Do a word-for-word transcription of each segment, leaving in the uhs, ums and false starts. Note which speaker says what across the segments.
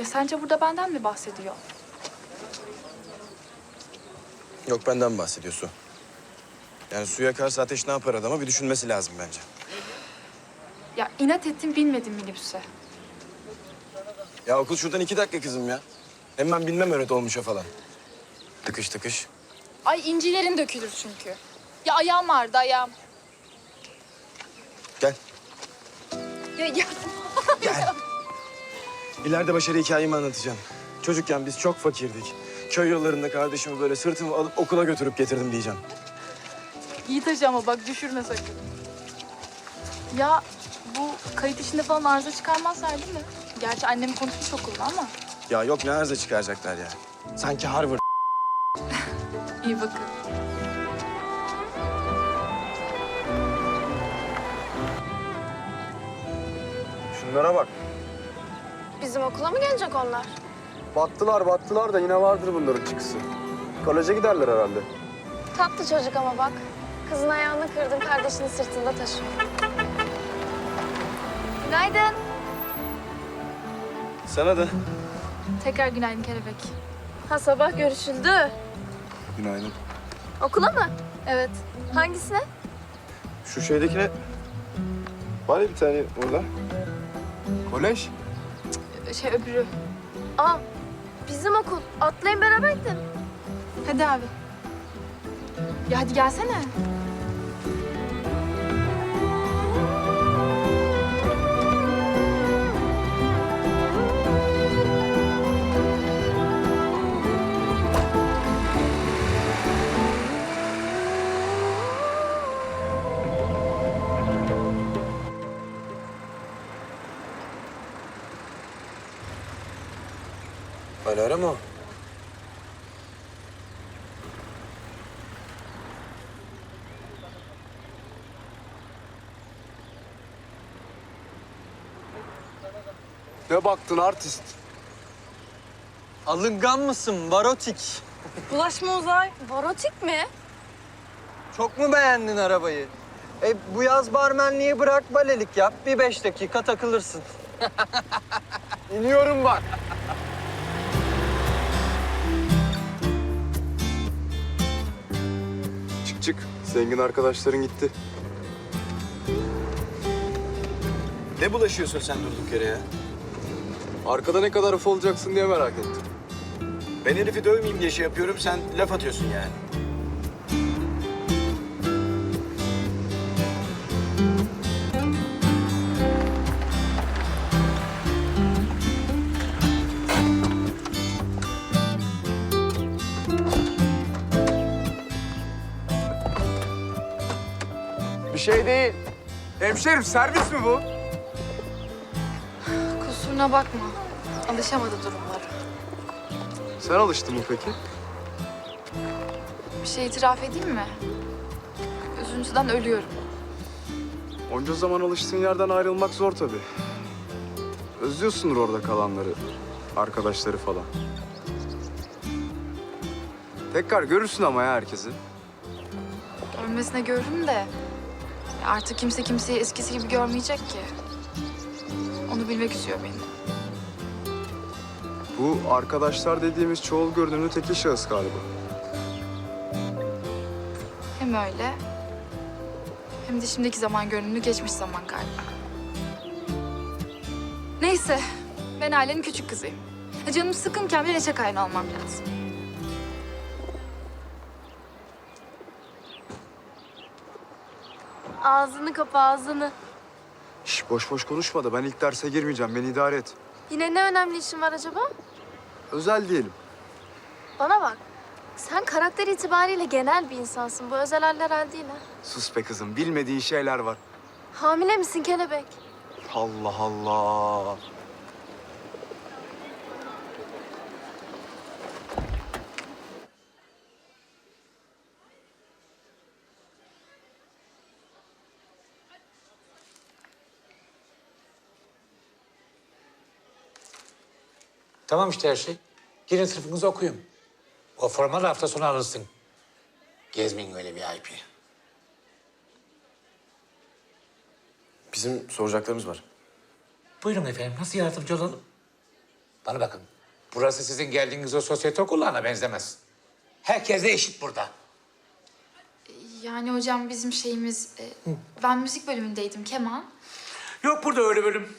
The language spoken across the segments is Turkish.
Speaker 1: Ya sence burada benden mi bahsediyor?
Speaker 2: Yok, benden bahsediyor Su. Yani su yakarsa ateş ne yapar adama bir düşünmesi lazım bence.
Speaker 1: Ya inat ettim binmedim minibüse.
Speaker 2: Ya okul şuradan iki dakika kızım ya. Hem ben bilmem öyle dolmuşa falan. Tıkış tıkış.
Speaker 1: Ay incilerin dökülür çünkü. Ya ayağım vardı ayağım.
Speaker 2: Gel.
Speaker 1: Ya, ya.
Speaker 2: Gel. İleride başarı hikayemi anlatacağım. Çocukken biz çok fakirdik. Köy yollarında kardeşimi böyle sırtımı alıp okula götürüp getirdim diyeceğim.
Speaker 1: İyi taşı ama bak düşürme sakın. Ya bu kayıt işinde falan arıza çıkarmazlar değil mi? Gerçi annem konuşmuş okulda ama.
Speaker 2: Ya yok, ne arıza çıkaracaklar ya. Sanki Harvard.
Speaker 1: İyi bakın.
Speaker 2: Şunlara bak.
Speaker 3: Bizim okula mı gelecek onlar?
Speaker 4: Battılar battılar da yine vardır bunların çıkısı. Koleje giderler herhalde.
Speaker 3: Tatlı çocuk ama bak. Kızın ayağını kırdın, kardeşini sırtında taşıyor. Günaydın.
Speaker 2: Sana da.
Speaker 1: Tekrar günaydın kelebek.
Speaker 3: Ha sabah görüşüldü.
Speaker 2: Günaydın.
Speaker 3: Okula mı?
Speaker 1: Evet.
Speaker 3: Hangisine?
Speaker 2: Şu şeydekine... Var ya bir tane orada. Kolej.
Speaker 1: Şey öbürü.
Speaker 3: Aa, bizim okul. Atlayın beraber gidelim.
Speaker 1: Hadi abi. Ya hadi gelsene.
Speaker 2: Alara mı o?
Speaker 4: Ne baktın artist?
Speaker 5: Alıngan mısın Barotik?
Speaker 3: Bulaşma Uzay. Varotik mi?
Speaker 5: Çok mu beğendin arabayı? E bu yaz barmenliği bırak, balelik yap. Bir beş dakika takılırsın.
Speaker 4: İniyorum bak. Çık çık. Zengin arkadaşların gitti.
Speaker 2: Ne bulaşıyorsun sen durduk yere ya?
Speaker 4: Arkada ne kadar uf olacaksın diye merak ettim.
Speaker 2: Ben herifi dövmeyeyim diye şey yapıyorum, sen laf atıyorsun yani.
Speaker 4: Bir şey değil. Hemşerim servis mi bu?
Speaker 1: Kusuruna bakma. Alışamadı durumlara.
Speaker 4: Sen alıştın mı peki?
Speaker 1: Bir şey itiraf edeyim mi? Üzüntüden ölüyorum.
Speaker 4: Onca zaman alıştığın yerden ayrılmak zor tabii. Özlüyorsundur orada kalanları, arkadaşları falan. Tekrar görürsün ama ya herkesi.
Speaker 1: Ölmesine görürüm de artık kimse kimseyi eskisi gibi görmeyecek ki. Onu bilmek üzüyor beni.
Speaker 4: Bu arkadaşlar dediğimiz çoğul görünümlü tekil şahıs galiba.
Speaker 1: Hem öyle hem de şimdiki zaman görünümlü geçmiş zaman galiba. Neyse, ben ailenin küçük kızıyım. Canım sıkınken bir neşe kaynağı olmam lazım.
Speaker 3: Ağzını kapa ağzını.
Speaker 4: Şş, boş boş konuşma da ben ilk derse girmeyeceğim. Beni idare et.
Speaker 3: Yine ne önemli işin var acaba?
Speaker 4: Özel diyelim.
Speaker 3: Bana bak. Sen karakter itibariyle genel bir insansın. Bu özel haller hal değil ha.
Speaker 4: Sus be kızım. Bilmediğin şeyler var.
Speaker 3: Hamile misin kelebek?
Speaker 4: Allah Allah.
Speaker 6: Tamam işte her şey. Girin sınıfınızı okuyun. O formal hafta sonu alırsın. Gezmeyin öyle bir I P.
Speaker 2: Bizim soracaklarımız var.
Speaker 6: Buyurun efendim, nasıl yardımcı olalım? Bana bakın. Burası sizin geldiğiniz o sosyete okullarına benzemez. Herkes de eşit burada.
Speaker 1: Yani hocam bizim şeyimiz... e, ben müzik bölümündeydim, keman.
Speaker 6: Yok burada öyle bölüm.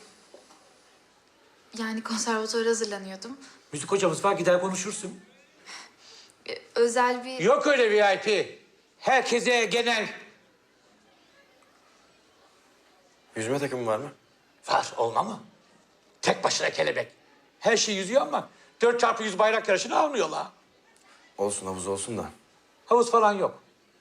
Speaker 1: Yani konservatuvara hazırlanıyordum.
Speaker 6: Müzik hocamız var, gider konuşursun.
Speaker 1: E, özel bir...
Speaker 6: Yok öyle V I P. Herkese genel.
Speaker 2: Yüzme takımı var mı?
Speaker 6: Var, olma mı? Tek başına kelebek. Her şey yüzüyor ama dört çarpı yüz bayrak yarışını almıyorlar.
Speaker 2: Olsun, havuz olsun da.
Speaker 6: Havuz falan yok.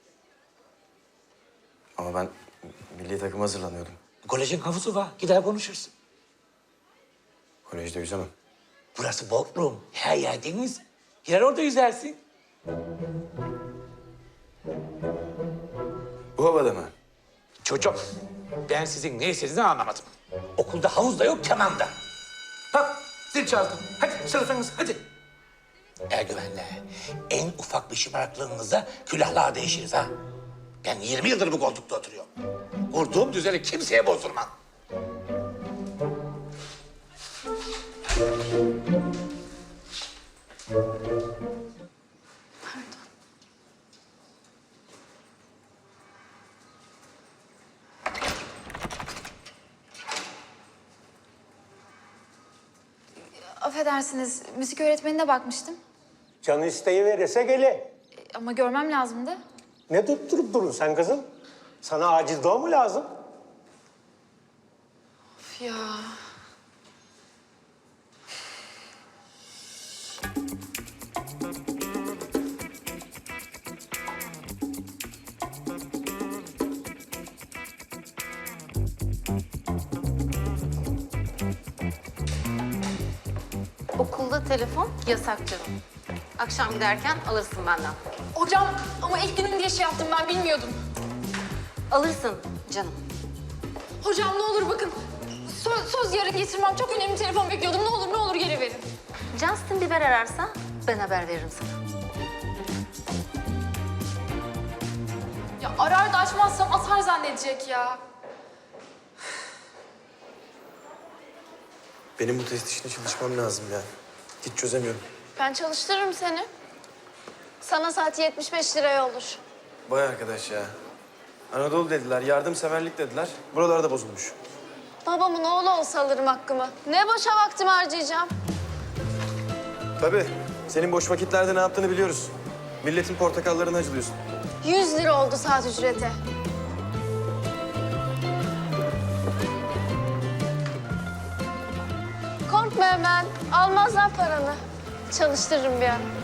Speaker 2: Ama ben milli takıma hazırlanıyordum.
Speaker 6: Kolejin havuzu var, gider konuşursun.
Speaker 2: Kolejde yüzemem.
Speaker 6: Burası Bodrum, her yer deniz. Gider orada yüzersin.
Speaker 2: Bu havada mı?
Speaker 6: Çocuğum, ben sizin ne istediğinizi anlamadım. Okulda havuz da yok, keman da. Bak, zil çaldım. Hadi sınıfınız, hadi. Ergüvenle, en ufak bir şımarıklığınıza külahlar değişiriz ha. Ben yirmi yıldır bu koltukta oturuyorum. Kurduğum düzeni kimseye bozdurmam.
Speaker 1: Affedersiniz, müzik öğretmenine bakmıştım.
Speaker 7: Canı isteği verirse gele.
Speaker 1: E, ama görmem lazımdı.
Speaker 7: Ne tutturup durun sen kızım? Sana acil doğum mu lazım?
Speaker 1: Of ya.
Speaker 8: Okulda telefon yasak canım. Akşam giderken alırsın benden.
Speaker 1: Hocam ama ilk günüm diye şey yaptım, ben bilmiyordum.
Speaker 8: Alırsın canım.
Speaker 1: Hocam ne olur bakın. Söz, söz yarın getirmem. Çok önemli telefon bekliyordum. Ne olur ne olur geri verin.
Speaker 8: Justin Bieber ararsa ben haber veririm sana.
Speaker 1: Ya arar da açmazsam atar zannedecek ya.
Speaker 2: Benim bu test işine çalışmam lazım ya. Hiç çözemiyorum.
Speaker 3: Ben çalıştırırım seni. Sana saati yetmiş beş liraya olur.
Speaker 2: Vay arkadaş ya. Anadolu dediler, yardımseverlik dediler. Buralarda bozulmuş.
Speaker 3: Babamın oğlu olsa alırım hakkımı. Ne boşa vaktimi harcayacağım.
Speaker 2: Tabii. Senin boş vakitlerde ne yaptığını biliyoruz. Milletin portakallarını acılıyorsun.
Speaker 3: Yüz lira oldu saat ücreti. Korkma hemen. Almazlar paranı. Çalıştırırım bir ara.